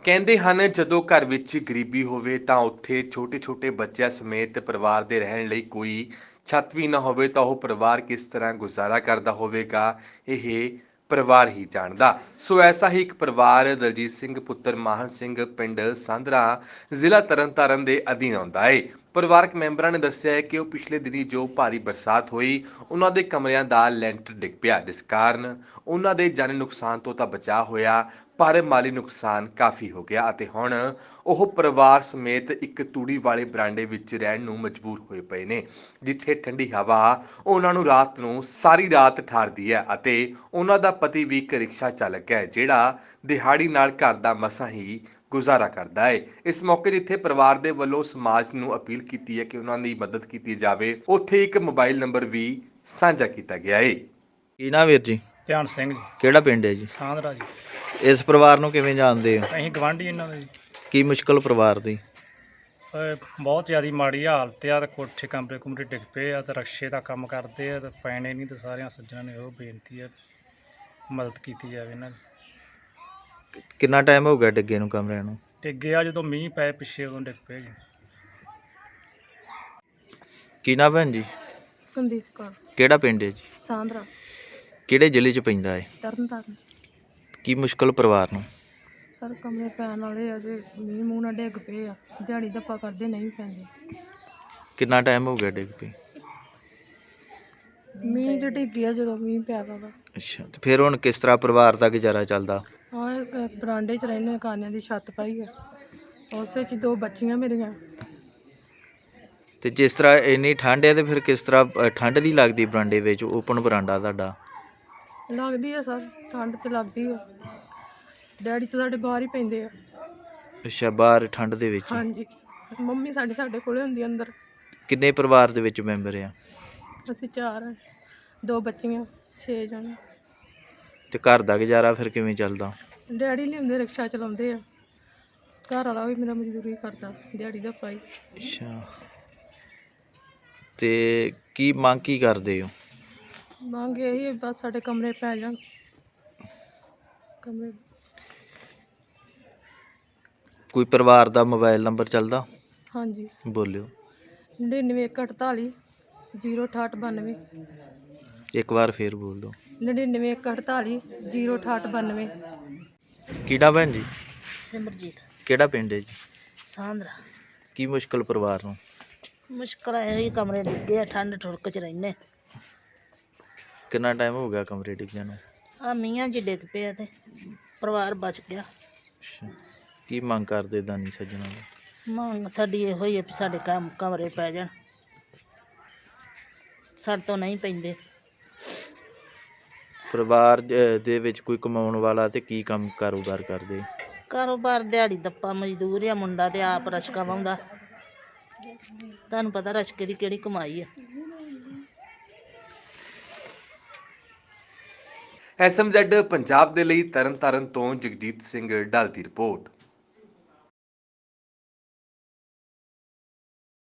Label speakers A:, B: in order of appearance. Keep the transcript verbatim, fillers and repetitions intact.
A: ਕਹਿੰਦੇ ਹਨ ਜਦੋਂ ਘਰ ਵਿੱਚ ਗਰੀਬੀ ਹੋਵੇ ਤਾਂ ਉੱਥੇ ਛੋਟੇ-ਛੋਟੇ ਬੱਚਿਆਂ ਸਮੇਤ ਪਰਿਵਾਰ ਦੇ ਰਹਿਣ ਲਈ ਕੋਈ ਛੱਤ ਵੀ ਨਾ ਹੋਵੇ ਤਾਂ ਉਹ ਪਰਿਵਾਰ ਕਿਸ ਤਰ੍ਹਾਂ ਗੁਜ਼ਾਰਾ ਕਰਦਾ ਹੋਵੇਗਾ, ਇਹ ਪਰਿਵਾਰ ਹੀ ਜਾਣਦਾ। ਸੋ ਐਸਾ ਹੀ ਇੱਕ ਪਰਿਵਾਰ ਦਲਜੀਤ ਸਿੰਘ ਪੁੱਤਰ ਮਾਹਨ ਸਿੰਘ ਪਿੰਡ ਸਾਂਦਰਾ ਜ਼ਿਲ੍ਹਾ ਤਰਨਤਾਰਨ ਦੇ ਅਧੀਨ ਆਉਂਦਾ ਹੈ। ਪਰਿਵਾਰਕ ਮੈਂਬਰਾਂ ਨੇ ਦੱਸਿਆ ਹੈ ਕਿ ਉਹ ਪਿਛਲੇ ਦਿਨੀ ਜੋ ਭਾਰੀ ਬਰਸਾਤ ਹੋਈ ਉਹਨਾਂ ਦੇ ਕਮਰਿਆਂ ਦਾ ਲੈਂਟਰ ਡਿੱਗ ਪਿਆ, ਜਿਸ ਕਾਰਨ ਉਹਨਾਂ ਦੇ ਜਾਨੀ ਨੁਕਸਾਨ ਤੋਂ ਤਾਂ ਬਚਾਅ ਹੋਇਆ ਪਰ ਮਾਲੀ ਨੁਕਸਾਨ ਕਾਫੀ ਹੋ ਗਿਆ ਅਤੇ ਹੁਣ ਉਹ ਪਰਿਵਾਰ ਸਮੇਤ ਇੱਕ ਤੂੜੀ ਵਾਲੇ ਬਰਾਂਡੇ ਵਿੱਚ ਰਹਿਣ ਨੂੰ ਮਜਬੂਰ ਹੋਏ ਪਏ ਨੇ, ਜਿੱਥੇ ਠੰਡੀ ਹਵਾ ਉਹਨਾਂ ਨੂੰ ਰਾਤ ਨੂੰ ਸਾਰੀ ਰਾਤ ਠਾਰਦੀ ਹੈ ਅਤੇ ਉਹਨਾਂ ਦਾ ਪਤੀ ਵੀ ਇੱਕ ਰਿਕਸ਼ਾ ਚਾਲਕ ਹੈ ਜਿਹੜਾ ਦਿਹਾੜੀ ਨਾਲ ਘਰ ਦਾ ਮਸਾਂ ਹੀ ਗੁਜ਼ਾਰਾ ਕਰਦਾ ਹੈ। ਇਸ ਮੌਕੇ ਜਿੱਥੇ ਪਰਿਵਾਰ ਦੇ ਵੱਲੋਂ ਸਮਾਜ ਨੂੰ ਅਪੀਲ ਕੀਤੀ ਹੈ ਕਿ ਉਹਨਾਂ ਦੀ ਮਦਦ ਕੀਤੀ ਜਾਵੇ, ਉੱਥੇ ਇੱਕ ਮੋਬਾਈਲ ਨੰਬਰ ਵੀ ਸਾਂਝਾ ਕੀਤਾ ਗਿਆ ਹੈ।
B: ਕੀ ਨਾ ਵੀਰ ਜੀ?
C: ਧਿਆਨ ਸਿੰਘ ਜੀ।
B: ਕਿਹੜਾ ਪਿੰਡ ਹੈ ਜੀ?
C: ਸਾਂਦਰਾ ਜੀ।
B: ਇਸ ਪਰਿਵਾਰ ਨੂੰ ਕਿਵੇਂ ਜਾਣਦੇ ਹੋ?
C: ਅਸੀਂ ਗਵਾਂਢੀ ਇਹਨਾਂ ਦੇ ਜੀ।
B: ਕੀ ਮੁਸ਼ਕਲ ਪਰਿਵਾਰ ਦੀ?
C: ਅਹ ਬਹੁਤ ਜ਼ਿਆਦਾ ਮਾੜੀ ਹਾਲਤ ਆ ਤੇ ਕੋਠੇ ਕਮਰੇ ਕੁਮਰੇ ਡਿੱਗ ਪਏ ਆ ਤੇ ਰਕਸ਼ੇ ਦਾ ਕੰਮ ਕਰਦੇ ਆ ਤੇ ਪੈਣੇ ਨਹੀਂ ਤੇ ਸਾਰਿਆਂ ਸੱਜਣਾਂ ਨੇ ਉਹ ਬੇਨਤੀ ਆ ਮਦਦ ਕੀਤੀ ਜਾਵੇ ਇਹਨਾਂ ਦੀ।
B: ਕਿ- ਕਿੰਨਾ ਟਾਈਮ ਹੋ ਗਿਆ ਡਿੱਗੇ ਨੂੰ ਕਮਰਿਆਂ ਨੂੰ?
C: ਡਿੱਗੇ ਆ ਜਦੋਂ ਮੀਂਹ ਪਏ ਪਿੱਛੇ ਉਦੋਂ ਡਿੱਗ ਪਏ ਜੀ।
B: ਕੀ ਨਾ ਭੈਣ ਜੀ?
D: ਸੰਦੀਪ ਕੌਰ।
B: ਕਿਹੜਾ ਪਿੰਡ ਹੈ ਜੀ?
D: ਸਾਂਦਰਾ
B: ਕਿਹੜੇ ਜ਼ਿਲ੍ਹੇ 'ਚ ਪੈਂਦਾ ਹੈ?
D: ਤਰਨਤਾਰਨ।
B: ਕੀ ਮੁਸ਼ਕਲ ਪਰਿਵਾਰ ਨੂੰ?
D: ਸਰ ਕਮਰੇ ਪੈਣ ਵਾਲੇ ਆ ਜੇ ਮੀਂਹ ਮੂੰਹ ਨਾਲ ਡਿੱਗ ਪਏ ਆ, ਦਿਹਾੜੀ ਧੱਪਾ ਕਰਦੇ ਨਹੀਂ ਪੈਂਦੇ।
B: ਕਿੰਨਾ ਟਾਈਮ ਹੋ ਗਿਆ ਡਿੱਗ ਪਈ?
D: ਮੀਂਹ ਚ ਡਿੱਗੀ ਆ ਜਦੋਂ ਮੀਂਹ ਪਿਆ ਵਾ।
B: ਅੱਛਾ, ਤੇ ਫਿਰ ਹੁਣ ਕਿਸ ਤਰ੍ਹਾਂ ਪਰਿਵਾਰ ਦਾ ਗੁਜ਼ਾਰਾ ਚੱਲਦਾ?
D: ਹਾਂ ਇਹ ਬਰਾਂਡੇ 'ਚ ਰਹਿੰਦੇ, ਕਾਨਿਆਂ ਦੀ ਛੱਤ ਪਾਈ ਆ, ਉਸੇ 'ਚ ਦੋ ਬੱਚੀਆਂ ਮੇਰੀਆਂ।
B: ਤੇ ਜਿਸ ਤਰ੍ਹਾਂ ਇੰਨੀ ਠੰਡ ਹੈ ਤੇ ਫਿਰ ਕਿਸ ਤਰ੍ਹਾਂ ਅ, ਠੰਡ ਨਹੀਂ ਲੱਗਦੀ ਬਰਾਂਡੇ ਵਿੱਚ? ਓਪਨ ਬਰਾਂਡਾ ਤੁਹਾਡਾ।
D: ਲੱਗਦੀ ਆ ਸਰ, ਠੰਡ ਤੇ ਲੱਗਦੀ ਆ। ਡੈਡੀ ਤਾਂ ਸਾਡੇ ਬਾਹਰ ਹੀ ਪੈਂਦੇ ਆ।
B: ਅੱਛਾ, ਬਾਹਰ ਠੰਡ ਦੇ ਵਿੱਚ?
D: ਹਾਂਜੀ, ਮੰਮੀ ਸਾਡੀ ਸਾਡੇ ਕੋਲੇ ਹੁੰਦੀ ਅੰਦਰ।
B: ਕਿੰਨੇ ਪਰਿਵਾਰ ਦੇ ਵਿੱਚ ਮੈਂਬਰ ਆ?
D: ਅਸੀਂ ਚਾਰ ਆ, ਦੋ ਬੱਚੀਆਂ, ਛੇ ਜਣੇ।
B: ਤੇ ਘਰ ਦਾ ਗੁਜ਼ਾਰਾ ਫਿਰ ਕਿਵੇਂ ਚੱਲਦਾ?
D: ਡੈਡੀ ਲਿਆਉਂਦੇ, ਰਿਕਸ਼ਾ ਚਲਾਉਂਦੇ ਆ। ਘਰ ਵਾਲਾ ਵੀ ਮੇਰਾ ਮਜ਼ਦੂਰੀ ਕਰਦਾ, ਦਿਹਾੜੀ ਦਾ ਪਾਈ।
B: ਅੱਛਾ, ਤੇ ਕੀ ਮੰਗ ਕੀ ਕਰਦੇ ਹੋ?
D: ਮੰਗ ਇਹੀ ਹੈ ਬਸ ਸਾਡੇ ਕਮਰੇ ਪੈ ਜਾਣ। ਕਮਰੇ
B: ਕੋਈ ਪਰਿਵਾਰ ਦਾ ਮੋਬਾਈਲ ਨੰਬਰ ਚੱਲਦਾ?
D: ਹਾਂਜੀ,
B: ਬੋਲਿਓ।
D: ਨੜਿਨਵੇਂ ਇੱਕ ਅਠਤਾਲੀ ਜ਼ੀਰੋ ਅਠਾਹਠ ਬਾਨਵੇਂ।
B: ਇੱਕ ਵਾਰ ਫੇਰ ਬੋਲ ਦਿਓ।
D: ਨੜਿਨਵੇਂ ਇੱਕ ਅਠਤਾਲੀ ਜ਼ੀਰੋ ਅਠਾਹਠ ਬਾਨਵੇਂ।
B: ਕਿਹੜਾ ਭੈਣ ਜੀ?
E: ਸਿਮਰਜੀਤ।
B: ਕਿਹੜਾ ਪਿੰਡ ਹੈ ਜੀ?
E: ਸਾਂਦਰਾ।
B: ਕੀ ਮੁਸ਼ਕਲ ਪਰਿਵਾਰ ਨੂੰ?
E: ਮੁਸ਼ਕਲ ਹੈ ਹੀ ਕਮਰੇ ਡਿੱਗੇ ਆ, ਠੰਡ ਠੁਰਕ ਚ ਰਹਿੰਦੇ।
B: ਕਿੰਨਾ ਟਾਈਮ ਹੋ ਗਿਆ ਕਮਰੇ ਡਿੱਗਿਆਂ ਨੂੰ?
E: ਆ ਮੀਆਂ ਜੀ ਡਿੱਗ ਪਿਆ ਤੇ ਪਰਿਵਾਰ ਬਚ ਗਿਆ।
B: ਅੱਛਾ, ਕੀ ਮੰਗ ਕਰਦੇ ਦਾਨੀ ਸੱਜਣਾਂ ਦਾ?
E: ਮੰਗ ਸਾਡੀ ਇਹੋ ਹੀ ਹੈ ਵੀ ਸਾਡੇ ਕੰਮ ਕਮਰੇ ਪੈ ਜਾਣ, ਸਾਡੇ ਤੋਂ ਨਹੀਂ ਪੈਂਦੇ।
B: ਪਰਿਵਾਰ ਅ, ਦੇ ਵਿੱਚ ਕੋਈ ਕਮਾਉਣ ਵਾਲਾ ਤੇ ਕੀ ਕੰਮ ਕਾਰੋਬਾਰ ਕਰਦੇ?
E: ਕਾਰੋਬਾਰ ਦਿਹਾੜੀ ਦੱਪਾ ਮਜ਼ਦੂਰ ਆ, ਮੁੰਡਾ ਤੇ ਆਪ ਰਸ਼ਕਾ ਵਾਹੁੰਦਾ। ਤੁਹਾਨੂੰ ਪਤਾ ਰਸ਼ਕੇ ਦੀ ਕਿਹੜੀ ਕਮਾਈ ਆ।
A: ਐਸ ਐਮ ਜ਼ੈਡ ਪੰਜਾਬ ਦੇ ਲਈ ਤਰਨਤਾਰਨ ਤੋਂ ਜਗਜੀਤ ਸਿੰਘ ਢਾਲ ਦੀ ਰਿਪੋਰਟ।